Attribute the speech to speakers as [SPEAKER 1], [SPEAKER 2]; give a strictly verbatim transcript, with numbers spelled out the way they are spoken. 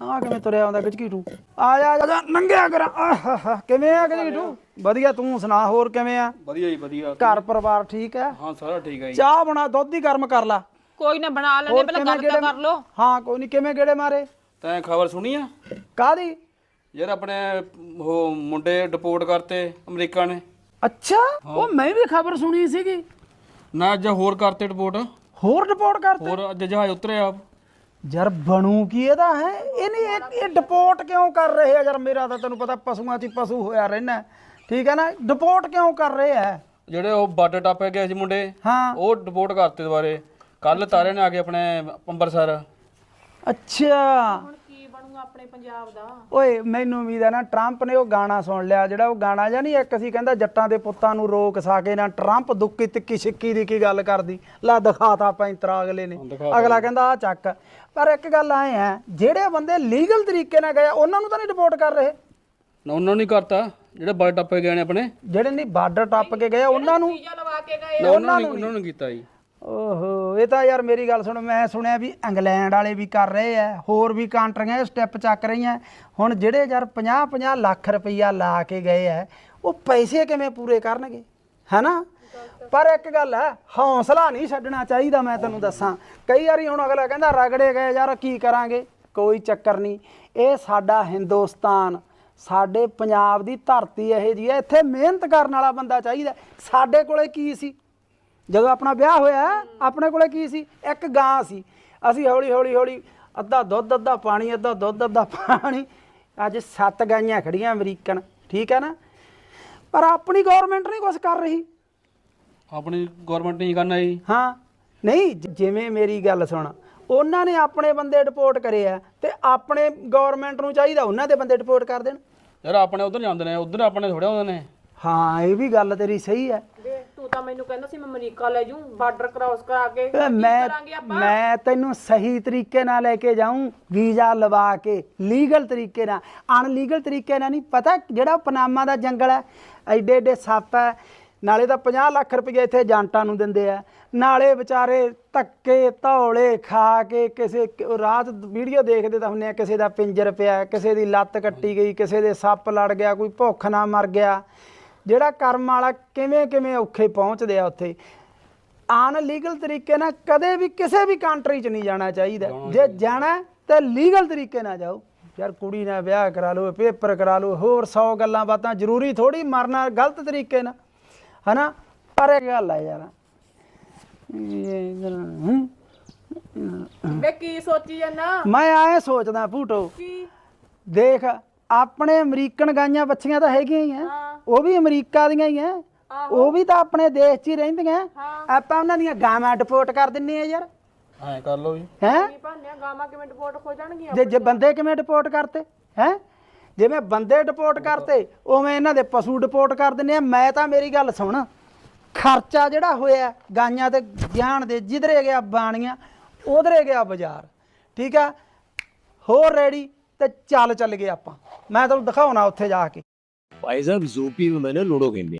[SPEAKER 1] ਆ ਕਿਵੇਂ ਤੁਰਿਆ ਆਉਂਦਾ ਗਜਕੀਟੂ ਆ ਜਾ ਆ ਜਾ ਨੰਗਿਆ ਕਰ ਆਹਾ ਕਿਵੇਂ ਆ ਗਜਕੀਟੂ ਵਧੀਆ ਤੂੰ ਸੁਣਾ ਹੋਰ ਕਿਵੇਂ ਆ
[SPEAKER 2] ਵਧੀਆ ਜੀ ਵਧੀਆ
[SPEAKER 1] ਘਰ ਪਰਿਵਾਰ ਠੀਕ ਹੈ
[SPEAKER 2] ਹਾਂ ਸਾਰਾ ਠੀਕ ਹੈ ਜੀ
[SPEAKER 1] ਚਾਹ ਬਣਾ ਦੁੱਧ ਹੀ ਗਰਮ ਕਰ ਲਾ
[SPEAKER 3] ਕੋਈ ਨਾ ਬਣਾ ਲੈਣੇ ਪਹਿਲਾਂ ਗੱਲ ਤਾਂ ਕਰ ਲੋ
[SPEAKER 1] ਹਾਂ ਕੋਈ ਨਹੀਂ ਕਿਵੇਂ ਗੇੜੇ ਮਾਰੇ
[SPEAKER 2] ਤੈਂ ਖਬਰ ਸੁਣੀ ਆ
[SPEAKER 1] ਕਾਦੀ
[SPEAKER 2] ਯਾਰ ਆਪਣੇ ਉਹ ਮੁੰਡੇ ਡਿਪੋਰਟ ਕਰਤੇ ਅਮਰੀਕਾ ਨੇ
[SPEAKER 1] ਅੱਛਾ ਉਹ ਮੈਂ ਵੀ ਖਬਰ ਸੁਣੀ ਸੀਗੀ
[SPEAKER 2] ਨਾ ਅੱਜ ਹੋਰ ਕਰਤੇ ਡਿਪੋਰਟ
[SPEAKER 1] ਹੋਰ ਰਿਪੋਰਟ ਕਰਤੇ
[SPEAKER 2] ਹੋਰ ਅੱਜ ਜਹਾਜ਼ ਉਤਰਿਆ
[SPEAKER 1] ਯਾਰ ਬਣੂ ਕੀ ਇਹਦਾ ਹੈ ਇਹ ਨਹੀਂ ਇਹ ਡਿਪੋਰਟ ਕਿਉਂ ਕਰ ਰਹੇ ਆ ਯਾਰ ਮੇਰਾ ਤਾਂ ਤੈਨੂੰ ਪਤਾ ਪਸ਼ੂਆਂ 'ਚ ਪਸ਼ੂ ਹੋਇਆ ਰਹਿਣਾ ਠੀਕ ਹੈ ਨਾ ਡਿਪੋਰਟ ਕਿਉਂ ਕਰ ਰਹੇ ਆ
[SPEAKER 2] ਜਿਹੜੇ ਉਹ ਬਾਰਡਰ ਟੱਪ ਗਏ ਸੀ ਮੁੰਡੇ
[SPEAKER 1] ਹਾਂ
[SPEAKER 2] ਉਹ ਡਿਪੋਰਟ ਕਰਤੇ ਦੁਬਾਰੇ ਕੱਲ ਤਾਰੇ ਨੇ ਆ ਕੇ ਆਪਣੇ ਅੰਮ੍ਰਿਤਸਰ
[SPEAKER 1] ਅੱਛਾ
[SPEAKER 3] ਹੁਣ ਕੀ ਬਣੂਗਾ ਆਪਣੇ ਪੰਜਾਬ ਦਾ
[SPEAKER 1] ਓਏ ਮੈਨੂੰ ਉਮੀਦ ਹੈ ਨਾ ਟਰੰਪ ਨੇ ਉਹ ਗਾਣਾ ਸੁਣ ਲਿਆ ਜਿਹੜਾ ਉਹ ਗਾਣਾ ਜਾਂ ਨਹੀਂ ਇੱਕ ਅਸੀਂ ਕਹਿੰਦਾ ਜੱਟਾਂ ਦੇ ਪੁੱਤਾਂ ਨੂੰ ਰੋਕ ਸਾਕੇ ਨਾ ਟਰੰਪ ਦੁੱਕੀ ਤਿੱਕੀ ਛਿੱਕੀ ਦੀ ਕੀ ਗੱਲ ਕਰਦੀ ਲਾ ਦਿਖਾਤਾ ਪੈਂਤਰਾ ਅਗਲੇ ਨੇ ਅਗਲਾ ਕਹਿੰਦਾ ਆ ਚੱਕ ਪਰ ਇੱਕ ਗੱਲ ਆਏ ਆ ਜਿਹੜੇ ਬੰਦੇ ਲੀਗਲ ਤਰੀਕੇ ਨਾਲ ਗਏ ਉਹਨਾਂ ਨੂੰ ਤਾਂ ਨਹੀਂ ਰਿਪੋਰਟ ਕਰ ਰਹੇ
[SPEAKER 2] ਨਾ ਉਹਨਾਂ ਨੇ ਕਰਤਾ ਜਿਹੜੇ ਬਾਰਡਰ ਟੱਪ ਗਏ ਨੇ ਆਪਣੇ
[SPEAKER 1] ਜਿਹੜੇ ਨਹੀਂ ਬਾਰਡਰ ਟੱਪ ਕੇ ਗਏ ਉਹਨਾਂ ਨੂੰ
[SPEAKER 3] ਵੀਜ਼ਾ ਲਵਾ ਕੇ ਗਏ
[SPEAKER 2] ਨਾ ਉਹਨਾਂ ਨੇ ਉਹਨਾਂ ਨੂੰ ਕੀਤਾ ਜੀ
[SPEAKER 1] ਓਹੋ ਇਹ ਤਾਂ ਯਾਰ ਮੇਰੀ ਗੱਲ ਸੁਣ ਮੈਂ ਸੁਣਿਆ ਵੀ ਇੰਗਲੈਂਡ ਵਾਲੇ ਵੀ ਕਰ ਰਹੇ ਆ ਹੋਰ ਵੀ ਕੰਟਰੀਆਂ ਇਹ ਸਟੈਪ ਚੱਕ ਰਹੀਆਂ ਹੁਣ ਜਿਹੜੇ ਯਾਰ ਪੰਜਾਹ ਪੰਜਾਹ ਲੱਖ ਰੁਪਈਆ ਲਾ ਕੇ ਗਏ ਆ ਉਹ ਪੈਸੇ ਕਿਵੇਂ ਪੂਰੇ ਕਰਨਗੇ ਹੈਨਾ ਪਰ ਇੱਕ ਗੱਲ ਹੈ ਹੌਸਲਾ ਨਹੀਂ ਛੱਡਣਾ ਚਾਹੀਦਾ ਮੈਂ ਤੈਨੂੰ ਦੱਸਾਂ ਕਈ ਵਾਰੀ ਹੁਣ ਅਗਲਾ ਕਹਿੰਦਾ ਰਗੜੇ ਗਏ ਯਾਰ ਕੀ ਕਰਾਂਗੇ ਕੋਈ ਚੱਕਰ ਨਹੀਂ ਇਹ ਸਾਡਾ ਹਿੰਦੁਸਤਾਨ ਸਾਡੇ ਪੰਜਾਬ ਦੀ ਧਰਤੀ ਇਹੋ ਜਿਹੀ ਹੈ ਇੱਥੇ ਮਿਹਨਤ ਕਰਨ ਵਾਲਾ ਬੰਦਾ ਚਾਹੀਦਾ ਸਾਡੇ ਕੋਲੇ ਕੀ ਸੀ ਜਦੋਂ ਆਪਣਾ ਵਿਆਹ ਹੋਇਆ ਆਪਣੇ ਕੋਲੇ ਕੀ ਸੀ ਇੱਕ ਗਾਂ ਸੀ ਅਸੀਂ ਹੌਲੀ ਹੌਲੀ ਹੌਲੀ ਅੱਧਾ ਦੁੱਧ ਅੱਧਾ ਪਾਣੀ ਅੱਧਾ ਦੁੱਧ ਅੱਧਾ ਪਾਣੀ ਅੱਜ ਸੱਤ ਗਾਈਆਂ ਖੜੀਆਂ ਅਮਰੀਕਨ ਠੀਕ ਹੈ ਨਾ ਪਰ ਆਪਣੀ ਗਵਰਨਮੈਂਟ ਨਹੀਂ ਕੁਛ ਕਰ ਰਹੀ
[SPEAKER 2] ਆਪਣੀ ਗਵਰਨਮੈਂਟ ਨਹੀਂ ਕਰਨਾ ਜੀ
[SPEAKER 1] ਹਾਂ ਨਹੀਂ ਜਿਵੇਂ ਮੇਰੀ ਗੱਲ ਸੁਣ ਉਹਨਾਂ ਨੇ ਆਪਣੇ ਬੰਦੇ ਡਿਪੋਰਟ ਕਰੇ ਆ ਤੇ ਆਪਣੇ ਗਵਰਨਮੈਂਟ ਨੂੰ ਚਾਹੀਦਾ ਉਹਨਾਂ ਦੇ ਬੰਦੇ ਡਿਪੋਰਟ ਕਰ ਦੇਣ
[SPEAKER 2] ਯਾਰ ਆਪਣੇ ਉਧਰ ਜਾਂਦੇ ਨੇ ਉਧਰ ਆਪਣੇ ਥੋੜੇ ਆਉਂਦੇ ਨੇ
[SPEAKER 1] ਹਾਂ ਇਹ ਵੀ ਗੱਲ ਤੇਰੀ ਸਹੀ ਹੈ
[SPEAKER 3] ਵੇ ਤੂੰ ਤਾਂ ਮੈਨੂੰ ਕਹਿੰਦਾ ਸੀ ਮੈਂ ਅਮਰੀਕਾ ਲੈ ਜੂ ਬਾਰਡਰ ਕ੍ਰਾਸ ਕਰਾ ਕੇ
[SPEAKER 1] ਵੇ ਮੈਂ ਮੈਂ ਤੈਨੂੰ ਸਹੀ ਤਰੀਕੇ ਨਾਲ ਲੈ ਕੇ ਜਾਊਂ ਵੀਜ਼ਾ ਲਵਾ ਕੇ ਲੀਗਲ ਤਰੀਕੇ ਨਾਲ ਅਨਲੀਗਲ ਤਰੀਕੇ ਨਾਲ ਨਹੀਂ ਪਤਾ ਜਿਹੜਾ ਪਨਾਮਾ ਦਾ ਜੰਗਲ ਹੈ ਐਡੇ ਐਡੇ ਸੱਪ ਹੈ ਨਾਲੇ ਤਾਂ ਪੰਜਾਹ ਲੱਖ ਰੁਪਏ ਇੱਥੇ ਏਜੰਟਾਂ ਨੂੰ ਦਿੰਦੇ ਆ ਨਾਲੇ ਵਿਚਾਰੇ ਧੱਕੇ ਧੌਲੇ ਖਾ ਕੇ ਕਿਸੇ ਰਾਤ ਵੀਡੀਓ ਦੇਖਦੇ ਤਾਂ ਹੁੰਦੇ ਆ ਕਿਸੇ ਦਾ ਪਿੰਜਰ ਪਿਆ ਕਿਸੇ ਦੀ ਲੱਤ ਕੱਟੀ ਗਈ ਕਿਸੇ ਦੇ ਸੱਪ ਲੜ ਗਿਆ ਕੋਈ ਭੁੱਖ ਨਾਲ ਮਰ ਗਿਆ ਜਿਹੜਾ ਕਰਮ ਵਾਲਾ ਕਿਵੇਂ ਕਿਵੇਂ ਔਖੇ ਪਹੁੰਚਦੇ ਆ ਉੱਥੇ ਅਨਲੀਗਲ ਤਰੀਕੇ ਨਾਲ ਕਦੇ ਵੀ ਕਿਸੇ ਵੀ ਕੰਟਰੀ 'ਚ ਨਹੀਂ ਜਾਣਾ ਚਾਹੀਦਾ ਜੇ ਜਾਣਾ ਤੇ ਲੀਗਲ ਤਰੀਕੇ ਨਾਲ ਜਾਓ ਯਾਰ ਕੁੜੀ ਨਾਲ ਵਿਆਹ ਕਰਾ ਲਓ ਪੇਪਰ ਕਰਾ ਲਓ ਹੋਰ ਸੌ ਗੱਲਾਂ ਬਾਤਾਂ ਜ਼ਰੂਰੀ ਥੋੜੀ ਮਰਨਾ ਗਲਤ ਤਰੀਕੇ ਨਾਲ ਹਨਾ ਪਰ ਇਹ ਗੱਲ ਆ ਯਾਰ
[SPEAKER 3] ਵੇ ਕੀ ਸੋਚੀ ਜਾਂਦਾ
[SPEAKER 1] ਮੈਂ ਆਏ ਸੋਚਦਾ ਭੂਟੋ
[SPEAKER 3] ਕੀ
[SPEAKER 1] ਦੇਖ ਆਪਣੇ ਅਮਰੀਕਨ ਗਾਈਆਂ ਬੱਚੀਆਂ ਤਾਂ ਹੈਗੀਆਂ ਹੀ ਆ ਉਹ ਵੀ ਅਮਰੀਕਾ ਦੀਆਂ ਹੀ ਆ ਉਹ ਵੀ ਤਾਂ ਆਪਣੇ ਦੇਸ਼ 'ਚ ਹੀ ਰਹਿੰਦੀਆਂ ਆਪਾਂ ਉਹਨਾਂ ਦੀਆਂ ਗਾਵਾਂ ਡਿਪੋਰਟ ਕਰ ਦਿੰਨੇ ਆ ਯਾਰ
[SPEAKER 2] ਐ ਕਰ ਲਓ ਜੀ
[SPEAKER 1] ਹੈ
[SPEAKER 3] ਕੀ ਭਾਨਿਆ ਗਾਵਾਂ ਕਿਵੇਂ ਡਿਪੋਰਟ ਹੋ ਜਾਣਗੀਆਂ
[SPEAKER 1] ਜੇ ਜੇ ਬੰਦੇ ਕਿਵੇਂ ਡਿਪੋਰਟ ਕਰਤੇ ਹੈ ਜਿਵੇਂ ਬੰਦੇ ਡਿਪੋਰਟ ਕਰਤੇ ਉਵੇਂ ਇਹਨਾਂ ਦੇ ਪਸ਼ੂ ਡਿਪੋਰਟ ਕਰ ਦਿੰਨੇ ਆ ਮੈਂ ਤਾਂ ਮੇਰੀ ਗੱਲ ਸੁਣ ਖਰਚਾ ਜਿਹੜਾ ਹੋਇਆ ਗਾਈਆਂ ਤੇ ਜਾਣ ਦੇ ਜਿਧਰੇ ਗਿਆ ਬਾਣੀਆਂ ਉਧਰੇ ਗਿਆ ਬਾਜ਼ਾਰ ਠੀਕ ਆ ਹੋਰ ਰੈਡੀ ਤੇ ਚੱਲ ਚੱਲ ਗਏ ਆਪਾਂ ਮੈਂ ਤੁਹਾਨੂੰ ਦਿਖਾਉਣਾ ਉੱਥੇ ਜਾ ਕੇ
[SPEAKER 4] भाई साहब ज़ोपी में मैंने लूडो खेलनी